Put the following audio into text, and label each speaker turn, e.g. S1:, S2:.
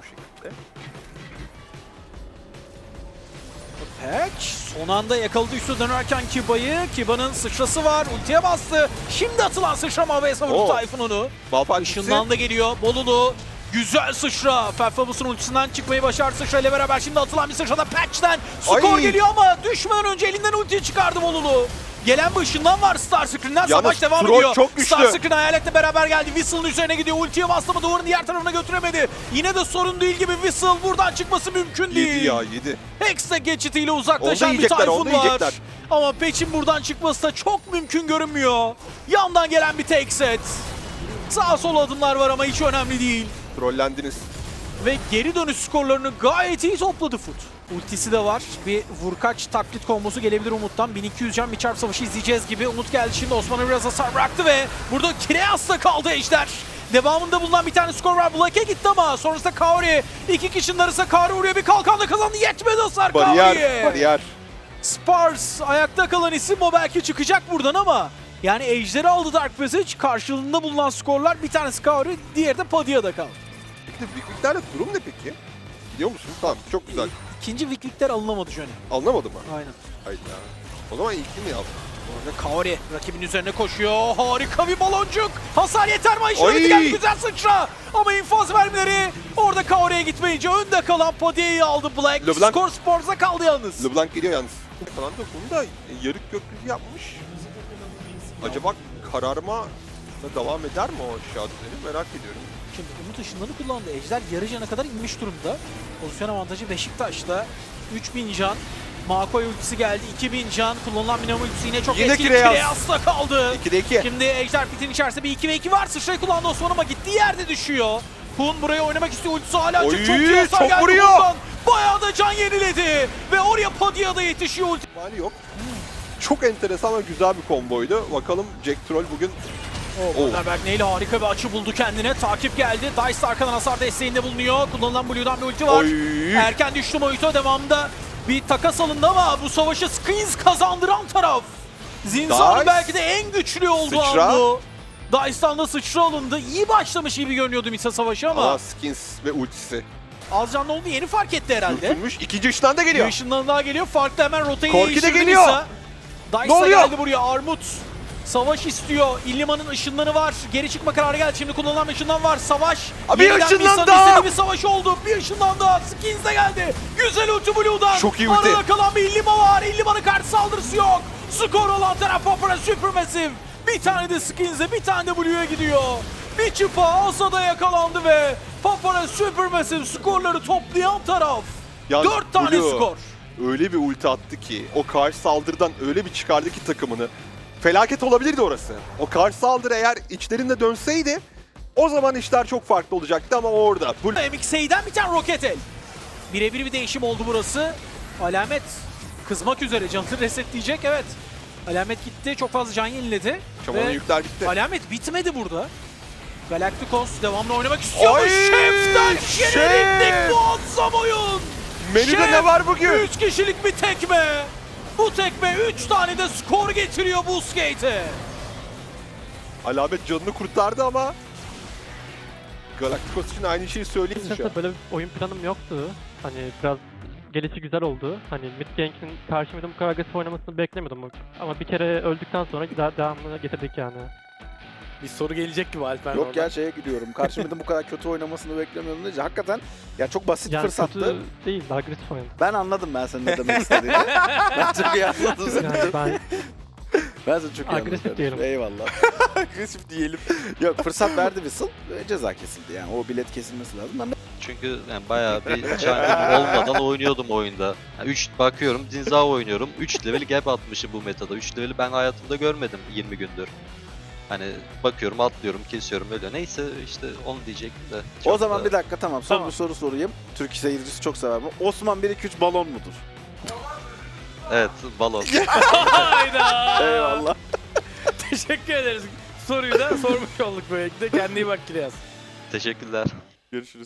S1: bu şekilde.
S2: Patch son anda yakaladı üstü dönerken Kiba'nın sıçrası var. Ultiye bastı. Şimdi atılan sıçrama ve savurdu Tayfun onu.
S1: Malphite
S2: Işından da geliyor. Bolulu. Güzel sıçra. Felfabus'un ultisinden çıkmayı başardı sıçra ile beraber. Şimdi atılan bir sıçrada Patch'ten skor
S1: Ay.
S2: geliyor ama düşmeden önce elinden ultiyi çıkardı Bolulu. Gelen bir ışından var Star Screen'den. Savaş devam
S1: Troll
S2: ediyor.
S1: çok güçlü.
S2: Star Screen hayaletle beraber geldi. Whistle'ın üzerine gidiyor. Ultiye bastı ama duvarın diğer tarafına götüremedi. Yine de sorun değil gibi Whistle buradan çıkması mümkün değil.
S1: 7 ya 7.
S2: Hexe geçitiyle
S1: Onu
S2: uzaklaşan
S1: da
S2: bir
S1: yiyecekler,
S2: Tayfun
S1: onu da
S2: var.
S1: yiyecekler.
S2: Ama Patch'in buradan çıkması da çok mümkün görünmüyor. Yandan gelen bir tek set. Sağ sol adımlar var ama hiç önemli değil.
S1: Trollendiniz.
S2: Ve geri dönüş skorlarını gayet iyi topladı Foot. Ultisi de var. Bir vurkaç taklit kombosu gelebilir Umut'tan. 1200 can bir çarp savaşı izleyeceğiz gibi. Umut geldi şimdi Osman'a biraz hasar bıraktı ve burada Kireas'ta kaldı Ejder. Devamında bulunan bir tane skor var. Black'e gitti ama sonrasında Kaori. İki kişinin arasında Kaori vuruyor. Bir kalkanla kazandı. Yetmedi hasar Kaori'ye.
S1: Bariyer.
S2: Spars ayakta kalan isim o belki çıkacak buradan ama yani Ejder'i aldı Dark Passage. Karşılığında bulunan skorlar bir tanesi Kaori, diğeri de Padia'da kaldı.
S1: Peki Vikviklerle durum ne peki? Biliyor musun? Tamam çok güzel.
S2: İkinci Viklikler alınamadı Johnny.
S1: Anlamadı mı?
S2: Aynen.
S1: Hayda. O zaman ilkini mi yaptı?
S2: Orada Kaori rakibin üzerine koşuyor. Harika bir baloncuk. Hasar yeter mi?
S1: Ay!
S2: İşareti geldi, güzel sıçra. Ama infaz vermeleri orada Kaori'ye gitmeyince önde kalan Padia'yı aldı Black.
S1: LeBlanc.
S2: Skor Spors'a kaldı yalnız.
S1: LeBlanc geliyor yalnız. Falan da bunu da yarık gökyüzü yapmış. Acaba kararma da devam eder mi o aşağıdakileri merak ediyorum.
S2: Şimdi Umut ışınlarını kullandı. Ejder yarı cana kadar inmiş durumda. Pozisyon avantajı Beşiktaş'ta. 3000 can. Makoy ultisi geldi. 2000 can. Kullanılan Minamo ultisi yine çok
S1: Yine
S2: etkili.
S1: Kireas.
S2: Kireas'ta kaldı.
S1: 2'de 2.
S2: Şimdi Ejder pitin içerisinde bir 2v2 var. Sıçrayı kullandı Osman ama gittiği yerde düşüyor. Hun buraya oynamak istiyor. Ultisi hala açık.
S1: Oy,
S2: Çok iyi hasar
S1: çok
S2: geldi
S1: vuruyor.
S2: Hun'dan. Bayağı da can yeniledi. Ve oraya Padia'da yetişiyor ulti.
S1: Mali yok. Çok enteresan ve güzel bir komboydu. Bakalım Jack Troll bugün
S2: Wonderberg neyle harika bir açı buldu kendine. Takip geldi. Dice arkadan hasar desteğinde bulunuyor. Kullanılan Blue'dan bir ulti var.
S1: Oy.
S2: Erken düştü Moito, devamında bir takas alındı ama bu savaşı Skins kazandıran taraf. Zinza'nın
S1: Dice.
S2: belki de en güçlü olduğu
S1: Sıçra.
S2: an bu. Dice'dan da sıçra alındı. İyi başlamış gibi görünüyordu Misa savaşı ama
S1: Skins ve ultisi.
S2: az canlı oldu, yeni fark etti herhalde.
S1: Dürtülmüş. İkinci ışından da
S2: Bir
S1: geliyor.
S2: ışından daha geliyor. Farklı hemen rotayı
S1: Korki de
S2: değiştirdi
S1: geliyor.
S2: Misa.
S1: Ne
S2: Dice da
S1: oluyor?
S2: geldi buraya. Armut savaş istiyor. İlliman'ın ışınları var. Geri çıkma kararı geldi. Şimdi kullanılan bir ışından var. Savaş.
S1: Abi
S2: Yeniden
S1: ışından
S2: Misa'nın
S1: daha!
S2: istediği bir savaş oldu. Bir ışından daha. Skins de geldi. Güzel ulti Blue'dan.
S1: Çok iyi ulti.
S2: Arada kalan bir Illiman var. Illiman'ın karşı saldırısı yok. Skor olan taraf Papara Supermassive. Bir tane de Skins'e, bir tane de Blue'ya gidiyor. Bir çıpa Asa'da yakalandı ve Papara Supermassive skorları toplayan taraf.
S1: Yalnız
S2: 4 tane
S1: Blue
S2: skor.
S1: öyle bir ulti attı ki o karşı saldırıdan öyle bir çıkardı ki takımını. Felaket olabilirdi orası. O karşı saldırı eğer içlerinde dönseydi o zaman işler çok farklı olacaktı ama orada.
S2: MXA'den bir tane roket el. Birebir bir değişim oldu burası. Alamet kızmak üzere, canını resetleyecek, evet. Alamet gitti, çok fazla can yeniledi.
S1: Şamanın
S2: Ve
S1: yükler bitti.
S2: Alamet bitmedi burada. Galacticos devamlı oynamak istiyor.
S1: Ay,
S2: Şef'ten
S1: Şef!
S2: şereflik muazzam oyun.
S1: Menüde ne var bugün?
S2: 3 kişilik bir tekme. Bu tekme 3 tane de skor getiriyor Buskate'e.
S1: Alamet canını kurtardı ama Galacticos için aynı şeyi söyleyeyim şu an.
S3: Açıkçası böyle bir oyun planım yoktu. Hani biraz gelişi güzel oldu. Hani mid gank'in karşı mid'in bu kadar agresif oynamasını beklemiyordum. Ama bir kere öldükten sonra güzel devamını getirdik yani.
S2: Bir soru gelecek gibi Alper.
S4: Yok ya şeye gidiyorum. Karşımda bu kadar kötü oynamasını beklemiyordum deyince hakikaten ya çok basit
S3: Yani
S4: fırsattı.
S3: kötü değil, agresif oynadı.
S4: Ben anladım ben senin ne demek istediğini. Ben çok iyi anladım seni.
S3: Yani ben
S4: Ben seni çok iyi anladım.
S3: Agresif
S4: kardeşim.
S3: diyelim.
S4: Eyvallah. Agresif diyelim. Yok fırsat verdi Whistle ve ceza kesildi yani. O bilet kesilmesi lazım. Ben
S5: Çünkü yani bayağı bir çangım olmadan oynuyordum oyunda. Yani 3 bakıyorum, Zinza oynuyorum. 3 level gap atmışım bu metada. 3 level'i ben hayatımda görmedim 20 gündür. Hani bakıyorum, atlıyorum, kesiyorum öyle. Neyse işte onu diyecektim de.
S4: o
S5: çok
S4: zaman
S5: da-
S4: bir dakika tamam. Son
S2: Tamam.
S4: bir soru sorayım. Türk seyircisi çok sever bu. Osman 1-2-3 balon mudur?
S5: Evet, balon.
S2: Hayda.
S4: Eyvallah.
S2: Teşekkür ederiz. Soruyu da sormuş olduk böylelikle. Kendine iyi bak Kilyas.
S5: Teşekkürler.
S4: Görüşürüz.